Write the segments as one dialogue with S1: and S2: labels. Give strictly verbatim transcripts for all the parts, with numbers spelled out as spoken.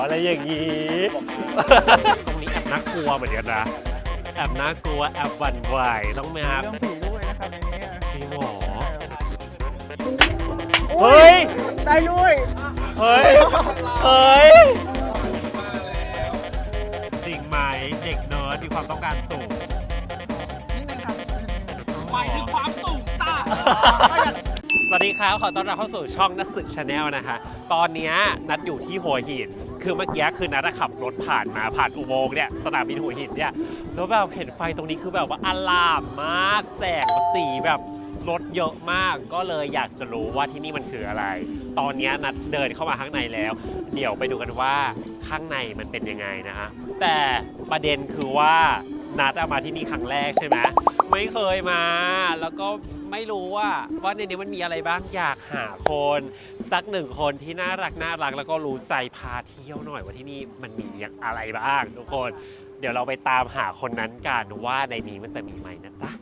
S1: อะไรอย่างนี้ตรงนี้แอบน่ากลัวเหมือนกันนะแอบน่ากลัวแอบหวั่นไหวต้องไหมครับ
S2: เรื่องผีด้วยนะครับในนี้
S1: จริงเหรอเฮ้ย
S2: ได้ด้วย
S1: เฮ้ยเฮ้ยจริงไหมเด็กเนิร์ดมีความต้องการสูง
S2: นิดนึงครับ
S3: หมายถึงความสูงจ้า
S1: สวัสดีครับขอต้อนรับเข้าสู่ช่องนัทสึกชาแนลนะคะตอนนี้นัดอยู่ที่หัวหินคือเมื่อกี้คือนัดขับรถผ่านมาผ่านอุโมงค์เนี่ยสนามบินหัวหินเนี่ยแล้วแบบเห็นไฟตรงนี้คือแบบว่าอลามมากแสงสีแบบรถเยอะมากก็เลยอยากจะรู้ว่าที่นี่มันคืออะไร ตอนนี้นัดเดินเข้ามาข้างในแล้วเดี๋ยวไปดูกันว่าข้างในมันเป็นยังไงนะฮะแต่ประเด็นคือว่านัดมาที่นี่ครั้งแรกใช่ไหมไม่เคยมาแล้วก็ไม่รู้ว่าว่าในนี้มันมีอะไรบ้างอยากหาคนสักหนึ่งคนที่น่ารักน่ารักแล้วก็รู้ใจพาเที่ยวหน่อยว่าที่นี่มันมีอะไรบ้างทุกคนเดี๋ยวเราไปตามหาคนนั้นกันว่าในนี้มันจะมีไหมนะจ๊ะ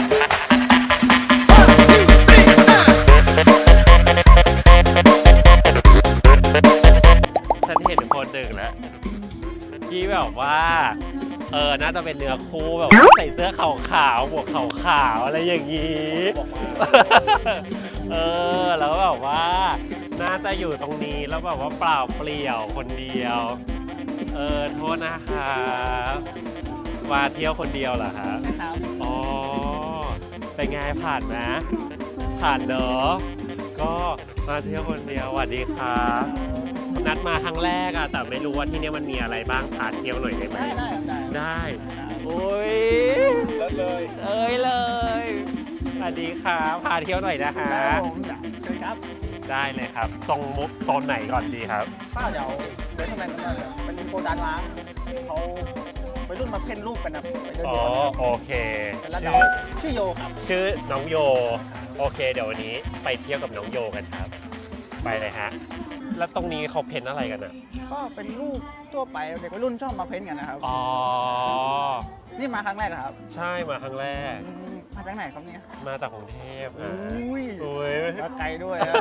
S1: ฉันเห็นคนหนึ่งแล้วที่แบบว่าเออน่าจะเป็นเนื้อคู่แบบใส่เสื้อขาวๆหมวกขาวๆอะไรอย่างนี้เออแล้วแบบว่าน่าจะอยู่ตรงนี้แล้วแบบว่าเปล่าเปลี่ยวคนเดียวเออโทษนะคะมาเที่ยวคนเดียวเหรอคะอ๋อเป็นไงผ่านไหมผ่านเนอะก็มาเที่ยวคนเดียวสวัสดีครับนัดมาครั้งแรกอะแต่ไม่รู้ว่าที่นี่มันมีอะไรบ้างพาเที่ยวหน่อยได้ไหม
S2: ได้ได้ได้
S1: ได้โอ้ย
S3: เลย
S1: เอ้ยเลยสวัสดีครับพาเที่ยวหน่อยนะฮะ
S2: ได้ผมอยากเชิญครับ
S1: ได้เลยครับตรงมุกโซนไหนก่อนดีครับ
S2: ป้าเดี๋ยวเดินเข้าไปกันเลยเป็นโกดังล้างเขาไปรุ่นมาเพ่นลูกกันนะไปเดิน
S1: อ๋อ
S2: ดูกัน
S1: โอเค
S2: เป็นระดั
S1: ชื่
S2: บ
S1: อ
S2: ชื่อโยครับ
S1: ชื่อน้องโยโอเค เดี๋ยววันนี้ไปเที่ยวกับน้องโยกันครับ ไปเลยฮะแล้วตรงนี้เขาเพ้นอะไรกันอ่ะ
S2: ก็เป็นลูกทั่วไปเด็กวัยรุ่นชอบมาเพ้นกันนะครับ
S1: อ๋อ
S2: นี่มาครั้งแรกเหรอครับ
S1: ใช่มาครั้งแรก
S2: อืมมาจากไหนครับเนี่ย
S1: มาจากกรุงเทพ
S2: อ
S1: นะ
S2: ุ้ย
S1: อุ้ย
S2: มาไกลด้วยนะ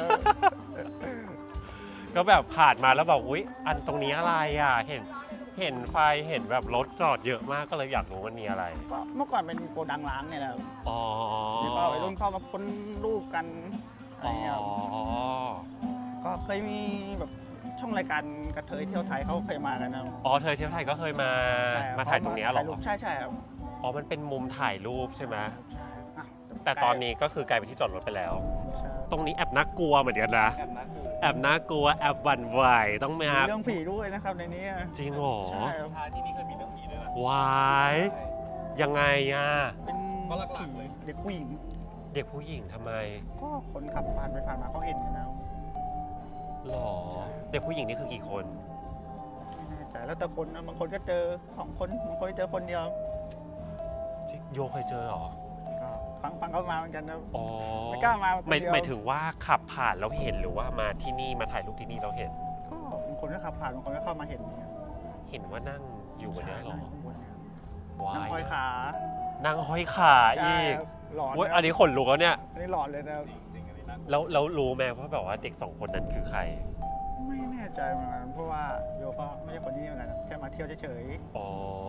S1: ก็แบบผ่านมาแล้วบอกอุ๊ยอันตรงนี้อะไรอ่ะเห็นเห็นไฟเห็นแบบรถจอดเยอะมากก็เลยอยากรู้มันมีอะไร
S2: ก็เมื่อก่อนเป็นโกดังล้างเนี่ยแหละครับ
S1: อ๋อ
S2: แล้วก็วัยรุ่นเข้ามาพ้นรูปกันอะไร
S1: อ๋อ
S2: เงี้ยครับก็เคยมีแบบช่องรายการกระเทยเที่ยวไทยเขาเคยมากันนะ
S1: อ๋อเธอเที่ยวไทยก็เคยมา
S2: ใช่คบ
S1: มาถ่ายตรงเนี้ยเหรอ
S2: ถ่ายปใช่ใช่ครับ
S1: อ๋อมันเป็นมุมถ่ายรูปใช่ไหม
S2: อ่ะ
S1: แต่ตอนนี้ก็คือกลายเป็นที่จอดรถไปแล้ว
S2: ใช่
S1: ตรงนี้แอบน่ากลัวเหมือนกันนะ
S3: แอบนะคือ
S1: แอบน่ากลัวแอบหวั่นไหวต้องมา
S2: มีเรื่องผีด้วยนะครับในนี้
S1: จริงเหรอ
S2: ใช่ครับ
S3: ชาที่นี่เคยมีเรื่องผีด้วยนะ
S1: วายยังไงอ่ะ
S2: เป็น
S3: ก็หลักๆเลย
S2: เด็กผู้หญิง
S1: เด็กผู้หญิงทำไม
S2: ก็คนขับผ่านไปผ่านมาเขาเห็นกันนะ
S1: หรอเด็กผู้หญิงนี่คือกี่คน
S2: ไม่แน่ใจแล้วแต่คนนะบางคนก็เจอสองคนบางคนเจอคนเดียว
S1: โยเคยเจอเหรอ
S2: ก็ฟังฟังเขามาเหมือนกันนะ
S1: อ๋อ
S2: ไม่กล้ามาคน
S1: หมาย
S2: เดียว
S1: หมายถึงว่าขับผ่านแล้วเห็นหรือว่ามาที่นี่มาถ่ายรูปที่นี่เราเห็น
S2: ก็บางคนก็ขับผ่านบางคนก็เข้ามาเห็นเนี่ย
S1: เห็นว่านั่งอยู่บนนี้เหรอ
S2: ใช่ข้างบนเนี่ย
S1: ว้า
S2: นั่ง
S1: ย
S2: ห้อยขา
S1: นั่งห้อยขา
S2: ใช่
S1: อีก
S2: ครับหลอน
S1: เว้ย
S2: นะ
S1: อันนี้ขนลุกแล้วเนี่ย
S2: อันนี้หลอนเลยนะ
S3: จริงๆอันนี้นะ
S1: แล้วแล้วรู้ไหมว่าแบบว่าเด็กสองคนนั้นคือใคร
S2: ไม่แน่ใจเหมือนกันเพราะว่าโยก็ไม่ใช่คนที่นี่เหมือนกันแค่มาเที่ยวเฉย
S1: อ๋อ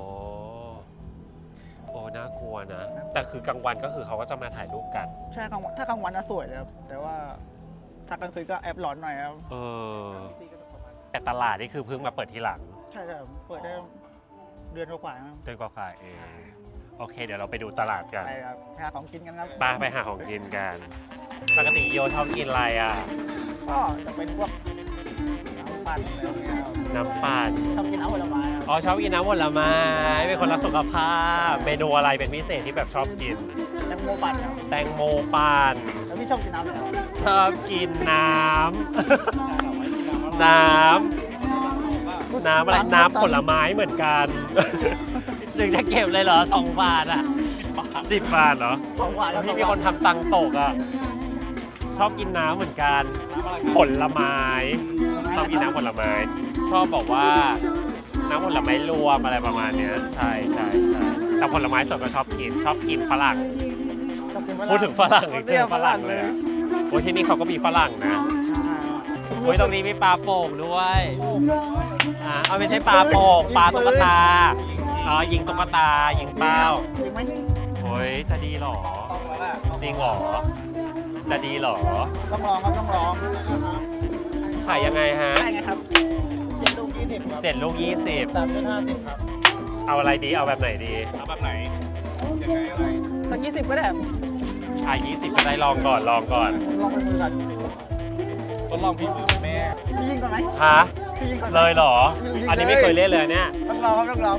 S1: โอ้น่ากลัวนะ แต่คือกลางวันก็คือเขาก็จะมาถ่ายรูปกัน
S2: ๆใช่กลางวันถ้ากลางวันน่ะสวยเลยครับแต่ว่าถ้ากลางคืนก็แอบหลอนหน่อยครับ
S1: เออ แต่ตลาดนี่คือเพิ่งมาเปิดทีหลัง
S2: ใช่ครับเปิดได้เดือนกว่าๆครับ
S1: เดือนกว่าๆเองโอเค เดี๋ยวเราไปดูตลาดกัน
S2: ไปครับหาของกินกันครับ
S1: ไปไปหาของกินกันปกติโยชอบกินอะไรอ่ะ
S2: ก็จะเป็นพวกน้ำปั่นอะไรอย่างเงี้ยครับ
S1: น้ำปั่น
S2: ชอบกินน้ำผลไม้ครับ
S1: อ๋อชอบกินน้ำผลไม้เป็นคนรักสุขภาพ เมนูอะไรเป็นพิเศษที่แบบชอบกิน
S2: แตงโมปั่นครับ
S1: แตงโมปั่น
S2: แล้วพี่ชอบกินน้ำอะไรครับ
S1: ชอบกินน้ำ น้ำ น้ำอะไรน้ำผลไม้เหมือนกันถึงจะเก็บเลยเหรอสองบาทอ่ะสิบบาทเหรอ
S2: สองหวาน
S1: แล้วที่มีคนทำตังค์ตกอ่ะ ชอบกินน้ำเหมือนกัน ผลไม้ ชอบกินน้ำผลไม้ ชอบบอกว่าน้ำผลไม้รวมอะไรประมาณเนี้ยใช่ใช่ใช่แต่ผลไม้สดก็ชอบกิน ชอบกินฝรั่ง
S2: ชอบกิน
S1: พูดถึงฝรั่งอีก
S2: เรียก
S1: ฝรั่งเลยอะโอ้ยที่นี่เขาก็มีฝรั่งนะโอ้ยตรงนี้มีปลาโป่งด้วย อ่าเอาไม่ใช่ปลาโป่งปลาตุ๊กตาอ๋อยิงตุ๊กตายิงเป้า
S2: ยิงไหม
S1: โอ้ยจะดีเหรอ
S3: ต้องแล้วแหละ
S1: จริงเหรอจะดีเหรอ
S2: ต้องลองครับต้องลอง
S1: ขายยังไงฮะ
S2: ได้ไงครับเจ็ดลูกยี่สิบครับ
S1: เจ็ดลูกยี่สิบ
S2: สามลูกห้าสิบครับ
S1: เอาอะไรดีเอาแบบไหนดี
S3: เอาแบบไหนยังไงอะไร
S2: สักยี่สิบก็ได้
S1: อ่ะยี่สิบก็ได้ลองก่อนลองก่อน
S2: ลองไปมือก่อน
S3: ทดลองฝีมือแม่
S2: พี่ยิงก่อนไหม
S1: ฮะ
S2: พี่ยิงก่อนไหม
S1: เลยเหรอ อันนี้ไม่เคยเล่นเลยเนี่ย
S2: ต้องลองครับต้องลอง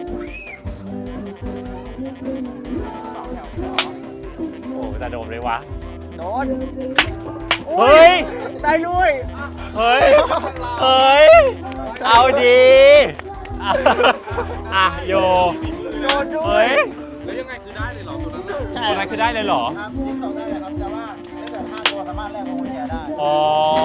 S1: โอ้จะโดนเลยวะ
S2: โดน
S1: เฮ้ย
S2: ได้ด้วย
S1: เฮ้ย เฮ้ย เอาดีอ่ะอ่ะโย
S2: โดนด้ว
S1: เฮ้
S2: ย
S1: ย
S3: แล้วยังไงคือได้เลยเหรอตัวนั้นน่ะ
S2: ใช่
S1: ตัวนั้นคือได้เลยเหรอ
S2: ครับยิงสองได้เลยครับแต่ว่าได้แบบห้าตัวสามารถแลกกับคนแก่ได้
S1: อ๋อ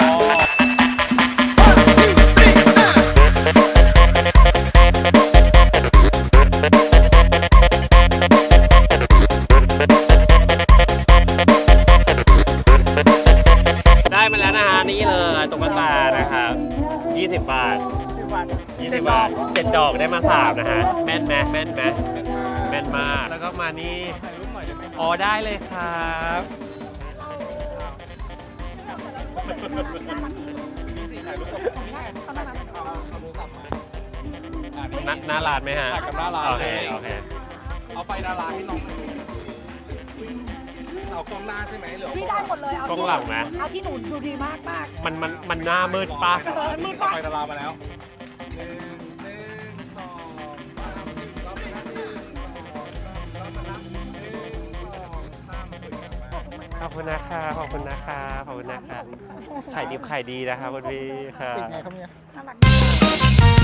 S1: ได้มาแล้วนะฮะนี่เลยตุ๊กตานะครับยี่สิบบาท
S2: สิบบาท
S1: ยี่
S2: เจ็
S1: สิ
S2: ด
S1: บ
S2: ดอบ
S1: าก ทเจ็ดดอกได้มาสามนะฮะ แม่นไหมแม่นไหมแม่นมาก แล้วก็มานี่
S3: ถ่ายรูปหน่อยได้ไหม
S1: อ๋อได้เลยครับ
S3: นี่สิถ่ายรูปกับนี่ไงถ่ายเอาเอาโทรศัพท์มาอ่ะนี่
S1: หน้าหน้าร้านไหมฮะ
S3: ถ่ายกับหน้าร้าน
S1: โอเค
S3: เลย
S1: โอเค
S3: เอาไฟดาราให้น้องหน่อยเอากล้องหน้าใช่ไหมหรือเอา
S4: พี่
S3: กล้
S4: ได้
S3: อง
S4: หมดเลย เอา
S1: กล้องหลังนะ
S4: เอาที่หนูดูดีมากมาก
S1: มันมันมันหน้ามืดปะ
S4: เออมืด
S3: เอา
S4: ปะ
S3: ไฟดารามาแล้วหนึ่งหนึ่งสองสามสี่รอบนะหนึ่งสองสามรอบนะหนึ่งสองสามสวยงามมาก
S1: ขอบคุณนะคะขอบคุณนะคะขอบคุณนะคะขายดิบขายดีนะคะคุณพี่ค่ะ
S2: ปิดไงครับเนี่ย
S4: น่ารัก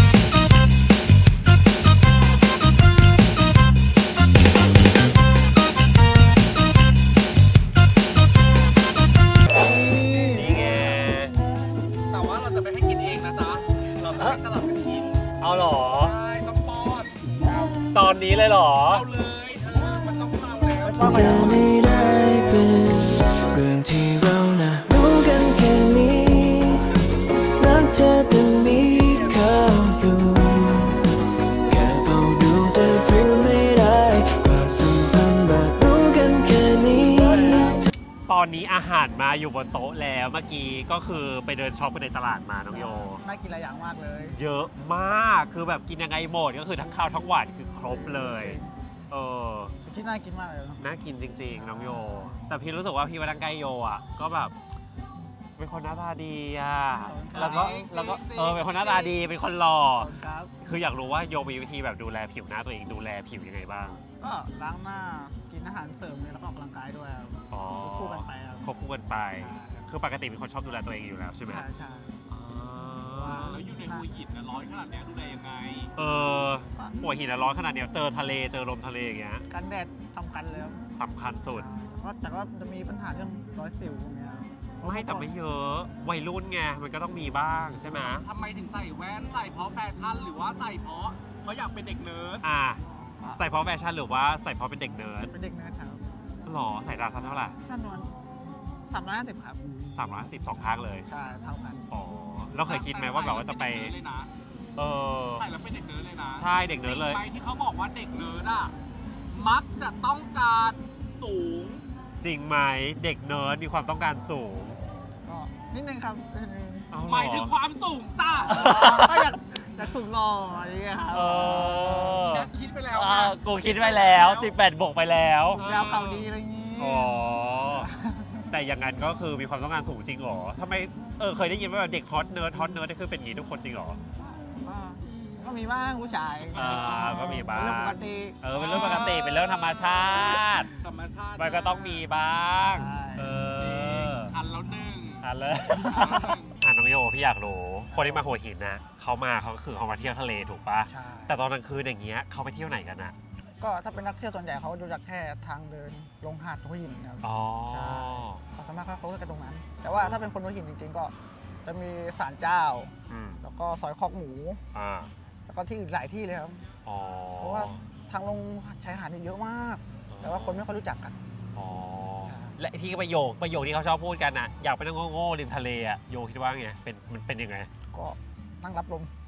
S1: นี่ไง
S3: แต่ว่าเราจะไปให้กินเองนะจ๊ะ เราจะให้สลับกันกิน
S1: เอาเหรอ
S3: ใช่ต้องป้อน
S1: ตอนนี้เลยเหรอ
S3: เอาเลยเธอ มันต้องเอาแล้ว
S2: ไม่ต้องไป
S5: แต่ไม่ได้เป็นเรื่องที่เรานะรู้กันแค่นี้ รักเธอแต่มีเขาอยู่แค่เฝ้าดูแต่พูดไม่ได้ความสัมพันธ์แบบรู้กันแค่นี้
S1: ตอนนี้อาหารมาอยู่บนโต๊ะแล้วเมื่อกี้ก็คือไปเดินช็อปกันในตลาดมาน้องโย
S2: น่ากินหลายอย่างมากเลย
S1: เยอะมากคือแบบกินยังไงหมดก็คือทั้งข้าวทั้งหวานคือครบเลยเออ
S2: สุชิน่ากินมากเลยเนอะ
S1: น่ากินจริงๆน้องโย แต่พี่รู้สึกว่าพี่มาดังใกล้โยอ่ะก็แบบเป็นคนหน้าตาดีอ่ะแล้วก็แล้วก็เออเป็นคนหน้าตาดีเป็นคนหล่อ
S2: ขอบคุณครับ
S1: คืออยากรู้ว่าโยมีวิธีแบบดูแลผิวหน้าตัวเองดูแลผิวยังไงบ้าง
S2: ก็ล้างหน้า กินอาหารเสริมเนี่ยแล้วก็ออกกำลังกายด้วยครับ
S1: อ๋อ
S2: คู่กันไปครับ
S1: ควบคู่กันไป คือปกติเป็นคนชอบดูแลตัวเองอยู่แล้วใช่ไหม
S2: ใช่ใช่
S1: อ๋อ
S3: แล้วอยู่ในหัวหินนะร้อนขนาดเนี้ยดูแลยังไง
S1: เออหัวหินอะร้อนขนาดเนี้ยเจอทะเลเจอลมทะเลอย่างเงี้ย
S2: กันแดดสำคัญเลยครับ
S1: สำคัญสุด
S2: ก็แต่ก็จะมีปัญหาเรื่องรอยสิวอย่างเงี้ย
S1: ไม่แต่ไม่เยอะวัยรุ่นไงมันก็ต้องมีบ้างใช่ไหม
S3: ทำไมถึงใส่แว่น ใส่เพราะแฟชั่น หรือว่าใส่เพราะเขาอยากเป็นเด็กเนิร์ด
S1: อ่าใส่เพราะแฟชั่นหรือว่าใส่เพราะเป็นเด็กเนิร์ด
S2: เป็นเด็กเนิร์ดครับ
S1: หรอใส่ราคาเท่าไหร่
S2: ชั้นนวลสามร้อยห้าสิบครับ
S1: สามร้อยสิบสองข้างเลย
S2: ใช่ เท่ากัน
S1: อ๋อเราเคยคิดไหมว่าแบบว่าจะไป
S3: ใส่แล้วเป็นเด็กเนิร์ดเลยนะ
S1: เออ
S3: ใส่แล้วเป็นเด็กเนิร์ดเลยนะ
S1: ใช่เด็กเนิร์ดเลย
S3: จริงไหมที่เขาบอกว่าเด็กเนิร์ดอ่ะ มักจะต้องการสูง
S1: จริงไหมเด็กเนิร์ดมีความต้องการสูง
S2: ก็นิดนึงครับนิดนึง
S1: เอาเหรอ
S3: หมายถึงความสูงจ้า
S2: ก็อยากอยากสูงหล่ออะไรอย่างเงี้ยครับ
S1: เออ
S3: แกคิดไปแล้ว
S1: อ่า
S3: นะ
S1: กูคิดไว้แล้วสิบแปดบวกไปแล้ว
S2: ยาวเข่าดีอะไรอย่างงี้
S1: อ๋อ แต่อย่างนั้นก็คือมีความต้องการสูงจริงเหรอทำไม เออ เคยได้ยินว่าแบบเด็กฮอตเนิร์ดฮอตเนิร์ดนี่คือเป็นอย่างนี้ทุกคนจริงเหรอ
S2: ก็ก็มีบ้างผู้ชาย
S1: อ่าก็มีบ้าง
S2: เป็นเรื่องปกติ
S1: เออ เป็นเรื่องปกติ เป็นเรื่องธรรมชาติ
S3: ธรรมชาติ
S1: มันก็ต้องมีบ้าง
S2: ใช่
S1: เออ
S3: อันแล้วหนึ่ง
S1: อ่ะเลยอ่ะน้องโยพี่อยากรู้ คนที่มาหัวหินนะเขามาเขาก็คือเขามาเที่ยวทะเลถูกปะ
S2: ใช่
S1: แต่ตอนกลางคืนอย่างเงี้ยเขาไปเที่ยวไหนกันอะ
S2: ก็ถ้าเป็นนักเที่ยวส่วนใหญ่เขาดูจากแค่ทางเดินลงหาดหัวหินครับ
S1: อ๋อ
S2: ใช่เขาสามารถเข้าไปกันตรงนั้น แต่ว่าถ้าเป็นคนหัวหินจริงๆ ก็จะมีศาลเจ้า
S1: อืม
S2: แล้วก็ซอยคอกหมู
S1: อ่า
S2: แล้วก็ที่อื่นหลายที่เลยครับ
S1: อ๋อ
S2: เพราะว่าทางลงชายหาดนี่เยอะมาก แต่ว่าคนไม่ค่อยรู้จักกัน
S1: อ๋อ
S2: ใช่
S1: และที่ประโยคประโยคที่เขาชอบพูดกันอะอยากไปนั่งโง่ๆริมทะเลอะโยคิดว่าไงเป็นมันเป็นยังไง
S2: ก็นั่งรับลม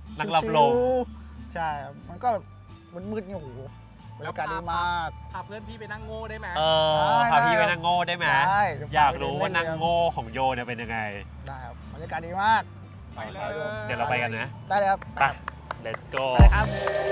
S1: นั่งรับลม
S2: ชิวๆใช่ครับมันก็มืดๆเนี่ยโอ้โหบรรยากาศดีมาก
S3: พาเพื่อนพี่ไปนั่งโง่ได้ไหม
S1: เออ
S2: ได้
S1: พาพี่
S2: ได้
S1: ไปนั่งโง่ได้ไหม
S2: ได้เดี๋ยว
S1: อยากรู้
S2: พาไป
S1: ว่า
S2: เล่น
S1: นั่งโง่ของโยเนี่ยเป็นยังไง
S2: ได้ครับบรรยากาศดีมาก
S3: ไปเลย
S1: เดี๋ยวเราไปกันนะ
S2: ได้เลยครับ
S1: ไป let's go
S2: ไปครับ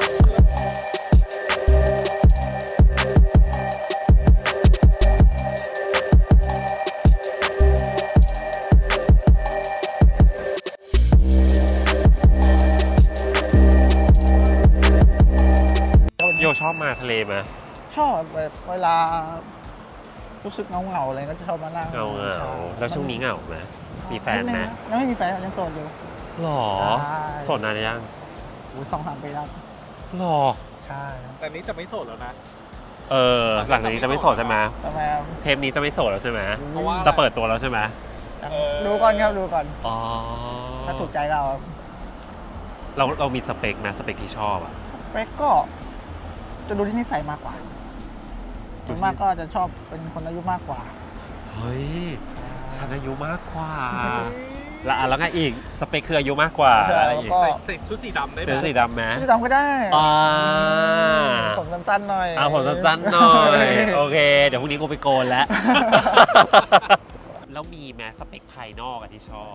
S1: โยชอบมาทะเลไหม
S2: ชอบแบบเวลารู้สึกเหงาๆอะไรก็จะชอบมานั่ง
S1: เงาเงา
S2: ใช่
S1: แล้วช่วงนี้เหงาไหมมีแฟนไหม
S2: ดงะยังไม่มีแฟนยังโสดอยู่
S1: หรอ
S2: ใช่
S1: โสดนานยัง
S2: อุ้ยสองสามปีแล้ว
S1: หรอ
S2: ใช่ครับ
S3: แต่นี้จะไม่โสดแล้วนะ
S1: เออ หลังจากนี้จะไม่โสดใช่ไหม
S2: ทำไมครับ
S1: เทปนี้จะไม่โสดแล้วใช่ไหม
S3: เพราะว่า
S1: จะเปิดตัวแล้วใช่ไหม
S3: เออ
S2: ดูก่อนครับดูก่อน
S1: อ๋อ
S2: ถ้าถูกใจก็เอาครับ
S1: เราเรามีสเปคไหมสเปคที่ชอบอะ
S2: เปกก็จะดูที่นิสัยมากกว่าส่วนมากก็จะชอบเป็นคนอายุมากกว่า
S1: เฮ้ย
S2: ใช่
S1: ฉันอายุมากกว่า แล้วอ่ะแล้วไงอีก สเปคคืออายุมากกว่า
S2: ใช่
S1: แล้วอะไร
S2: แล้ว
S1: อีก
S2: ก็
S3: ใส่ใส่ชุดสีดำได้ไหม
S1: เสื้อสีดำไหม
S2: ชื่อดำก็ได้
S1: อ่า
S2: ผมสั้นๆหน่อย
S1: เอาผมสั้นๆหน่อย โอเค เดี๋ยวพรุ่งนี้กูไปโกนแล้ว แล้วมีแม้สเปคภายนอกอะที่ชอบ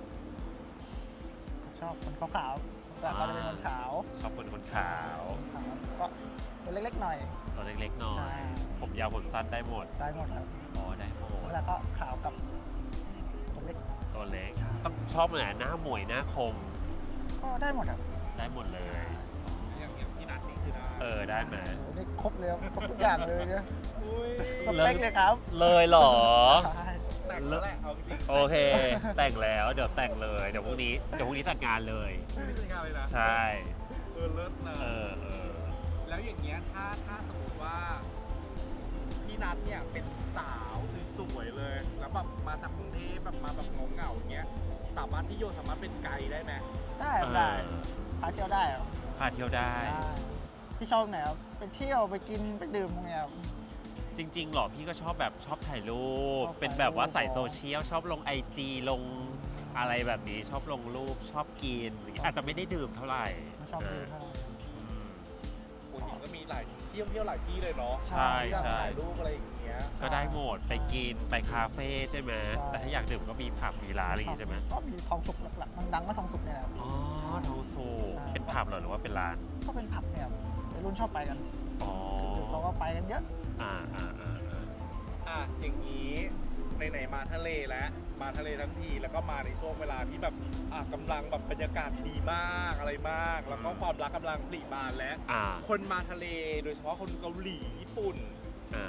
S2: ชอบคนขาวๆแต่ก็จะเป็นคนขาว
S1: ชอบคนคนขาว
S2: ก็ตัวเล็กๆหน่อย
S1: ตัวเล็กๆหน่อ
S2: ใช่
S1: ย ผมยาวผมสั้นได้หมด
S2: ได้หมดครับ
S1: อ๋อได้หมด
S2: แล้วก็ขาวกับตัวเล็ก
S1: ตัวเล็ก
S2: ใช่
S1: ต้องชอบไหนหน้าหมวยหน้าคม
S2: ก็ได้หมดครับ
S1: ได้หมดเลย
S3: อย่างอย่างพี่นัทนี่คือได้
S1: เออได้ไหม
S2: โอ้นี่ครบเลยครับครบทุกอย่างเลยเนี่ย
S3: อุ้ย
S2: สเปคเลยครับ
S1: เลยเหรอ
S2: ใช่
S3: แต่งแล้วแหละเอาจริง
S1: โอเค แต่งแล้วเดี๋ยวแต่งเลยเดี๋ยวพรุ่งนี้เดี๋ยวพรุ่งนี้จัดงานเลย
S3: ๆไม่ใช่งานเลยนะ
S1: ใช่
S3: เออเลิศนะ
S1: เออเออ
S3: แล้วอย่างเงี้ยถ้าถ้าสมมติว่าพี่นัทเนี่ยเป็นสาวสวยๆเลย แล้วแบบมาจากกรุงเทพแบบมาแบบเหงาๆอย่างเงี้ยสามารถที่โยสามารถเป็นไกด์ได้ไหม
S2: ได้ครับได้พาเที่ยวได้ครับ
S1: พาเที่ยวได้
S2: ได้พี่ชอบไหนครับไปเที่ยวไปกินไปดื่มพวกเนี้ยครับ
S1: จริงๆหรอพี่ก็ชอบแบบชอบถ่ายรูป
S2: ชอบถ่ายรูป
S1: เป็นแบบว่าใส่โซเชียลชอบลงไอจีลงอะไรแบบนี้ชอบลงรูปชอบกินอย่างเงี้ยอาจจะไม่ได้ดื่มเท่าไหร่
S2: ไม่ชอบดื่มเท่าไหร่
S1: อืม
S3: หัวหินก็มีหลายเที่ยวเที่ยวหลายที่เลยเนาะ
S1: ใช่
S3: อยาก
S1: ใช่
S3: ถ่ายรูปอะไรอย่างเงี้ย
S1: ก็ได้หมดไปกินไปคาเฟ่ใช่ไหม
S2: ใช่
S1: แต่ถ้าอยากดื่มก็มีผับมีร้านอะไรอย่างงี้ใช่ไหม
S2: ก็มีทองสุกหลักๆดังๆก็ทองสุกเนี่ยแหละครับ
S1: อ๋อทองสู
S2: ใช่
S1: เป็นผับเหรอหรือว่าเป็นร้าน
S2: ก็เป็นผับเนี่ยครับวัยรุ่นชอบไปกัน
S1: อ๋อ
S2: เขาก็ไปกันเยอะ
S1: อ่าอ่าอ่าอ่า
S3: อ่ะอย่างนี้ไหนๆมาทะเลแล้วมาทะเลทั้งทีแล้วก็มาในช่วงเวลาที่แบบอ่ะกำลังแบบบรรยากาศดีมากอะไรมาก แล้วก็ความรักกำลังปรีบานแล้ว
S1: อ่า
S3: คนมาทะเลโดยเฉพาะคนเกาหลีญี่ปุ่น
S1: อ่า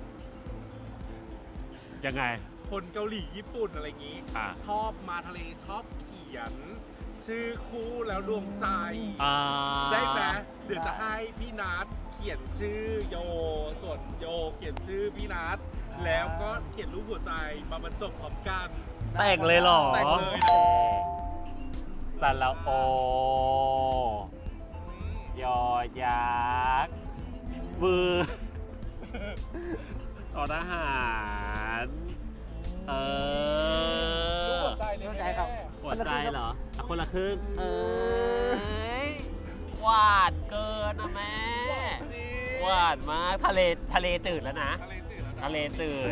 S1: ยังไง
S3: คนเกาหลีญี่ปุ่นอะไรอย่างนี้
S1: อ่า
S3: ชอบมาทะเลชอบเขียน ชื่อคู่แล้วดวงใจ
S1: อ่า
S3: ได้ไหมเดี๋ยวจะให้พี่นัทเขียนชื่อโย ส่วนโยเขียนชื่อพี่นัทแล้วก็เขียนรูปหัวใจมาบรรจบพร้อมกัน
S1: แต่งเลยเหรอ
S3: แต่งเลย
S1: สระโอ ยอยักษ์มือต่อทหาร เอ
S3: รูป
S1: อ
S3: หัวใจเลย
S2: หัวใจ
S3: แม่
S2: ครับ
S1: หัวใจเหรออ่ะคนละครึ่ง เอ้ยหวานเกินนะแม่
S3: จริง
S1: หวานมากทะเลทะเลจืดแล้วนะ
S3: ทะเลจืดแล้วนะ
S1: ทะเลจืด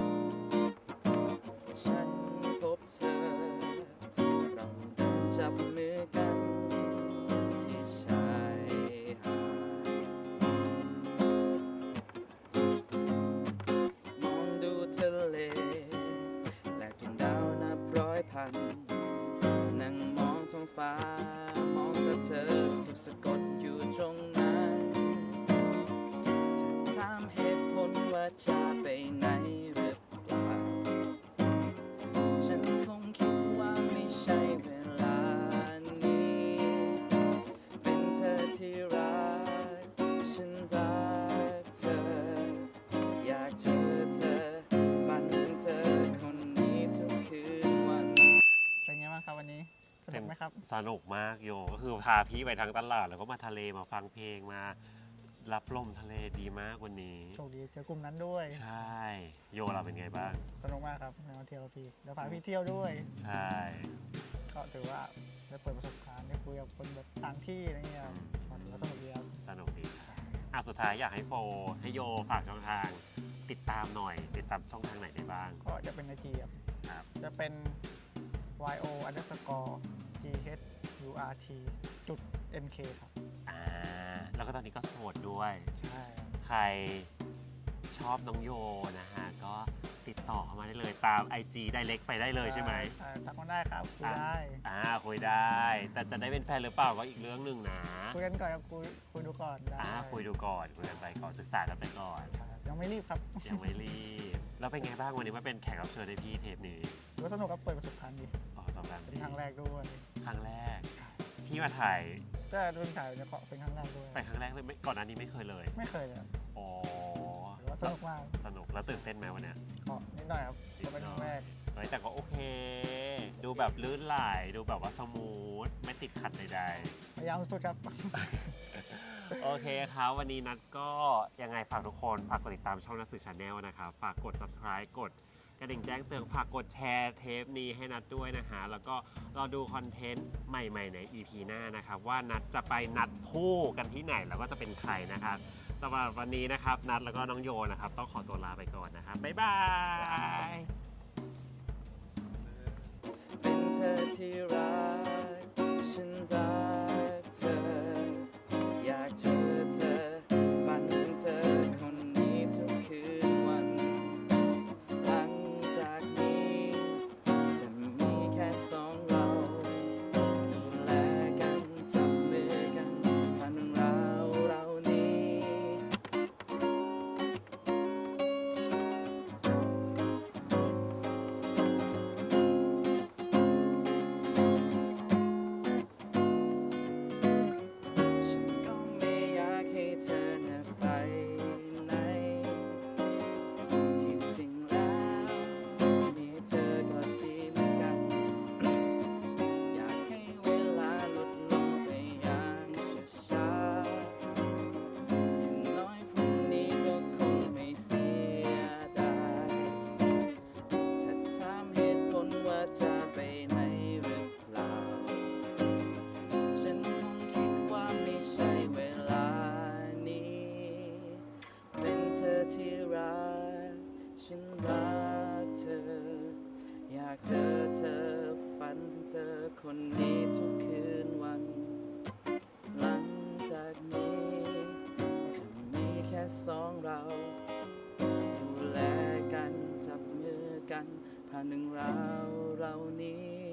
S5: ฉันพบเธอเราเดินจับมือกันที่ชายหาดมองดูทะเลและดวงดาวนับร้อยพัน นั่งมองท้องฟ้ามองแต่เธอถูกสะกดอยู่ตรงนั้นเธอถามเหตุผลว่าจะไปไหนหรือเปล่า ฉันคงคิดว่าไม่ใช่เวลานี้ เป็นเธอที่รัก ฉันรักเธอ อยากเจอเธอ ฝันถึงเธอคนนี้ทุกคืนวัน
S2: เป็นไงบ้างครับวันนี้สนุกไหมครับ
S1: สนุกมากโยก็คือพาพี่ไปทั้งตลาดแล้วก็มาทะเลมาฟังเพลงมา รับลมทะเลดีมากวันนี้
S2: โชคดีเจอกลุ่มนั้นด้วย
S1: ใช่ โยเราเป็นไงบ้าง
S2: สนุกมากครับในวันเที่ยวพี่เดี๋ยวพาพี่เที่ยวด้วย
S1: ใช่
S2: ก็ถือว่าได้เปิดประสบการณ์ได้คุยกับคนแบบต่างที่อะไรเงี้ยก็ถือว่าสนุกดีครับ
S1: สนุกดีอ่ะสุดท้ายอยากให้โฟให้โยฝากช่องทางติดตามหน่อย ติดตามช่องทางไหนได้บ้าง
S2: ก็จะเป็นไอจีครับ
S1: ครับ
S2: จะเป็น yo underscore gh urt จุด mk ครับ
S1: อ่าแล้วก็ตอนนี้ก็โสดด้วย
S2: ใช่ครับ
S1: ใครชอบน้องโยนะฮะ ก็ติดต่อเข้ามาได้เลยตาม ไอ จี Direct ไปได้เลยใช่ไหม
S2: อ่าทักมาได้ครับคุยได้
S1: อ่าคุยได้ แต่จะได้เป็นแฟนหรือเปล่าก็อีกเรื่องหนึ่งนะ
S2: คุยกันก่อนครับคุยคุยดูก่อนได้
S1: อ่าคุยดูก่อนคุยกันไปก่อนศึกษากันไปก่อน
S2: ครับยังไม่รีบครับ
S1: ยังไม่รีบ แล้วเป็นไงบ้างวันนี้มาเป็นแขกรับเชิญในพี่เทปนี้
S2: ถือว่าสนุกครับเปิดประสบการณ์ดี
S1: อ๋อสองครั้ง
S2: เป็นครั้งแรกด้วย
S1: ครั้งแรก ที่มาถ่าย
S2: ก็เป็นถ่ายในเกาะเป็นครั้งแรกด้วย
S1: ไปครั้งแรกเลยไม่ก่อนหน้านี้ไม่เคยเลย
S2: ไม่เคยเลยครับ
S1: อ๋อ
S2: ถือว่าสนุกมาก
S1: สนุกแล้วตื่นเต้นไหมวันเนี้ย
S2: เกาะนิดหน่อยครับก็เป็นครั้งแรก
S1: เฮ้ยแต่ก็โอเค ดูแบบลื่นไหลดูแบบว่าสมูทไม่ติดขัดใด
S2: พยายามสุดครับ
S1: ๆ โอเคครับ วันนี้นัดก็ยังไงฝากทุกคนฝากกดติดตามช่องนัดสื่อชาแนลนะครับ ฝากกด subscribe กดกระดิ่งแจ้งเตือนฝากกดแชร์เทปนี้ให้นัดด้วยนะฮะแล้วก็รอดูคอนเทนต์ใหม่ๆใน อี พี หน้านะครับ ว่านัดจะไปนัดคู่กันที่ไหนแล้วก็จะเป็นใครนะครับสำหรับวันนี้นะครับนัดแล้วก็น้องโยนะครับต้องขอตัวลาไปก่อนนะครับบ๊ายบาย
S5: เป็นเธอที่รัก ฉันรักเธอ อยากเจอเธอ ฝันถึงเธอคนนี้ทุกคืนวัน หลังจากนี้จะมีแค่สองเรา ดูแลกันจับมือกันผ่านเรื่องราวเรานี้ ฉันก็ไม่อยากให้เธอน่ะไปไหน ที่จริงแล้วมีเธอก็ดีเหมือนกัน อยากให้เวลาลดลงไปอย่างช้าๆอย่างน้อยพรุ่งนี้ก็คงไม่เสียดายถ้าถามเหตุผลว่าจะไปไหนหรือเปล่า ฉันคงคิดว่าไม่ใช่เวลานี้ เป็นเธอที่รัก ฉันรักเธอ อยากเจอเธอ ฝันถึงเธอคนนี้ทุกคืนวัน หลังจากนี้จะมีแค่สองเรา ดูแลกันจับมือกันผ่านหนึ่งราวเรานี้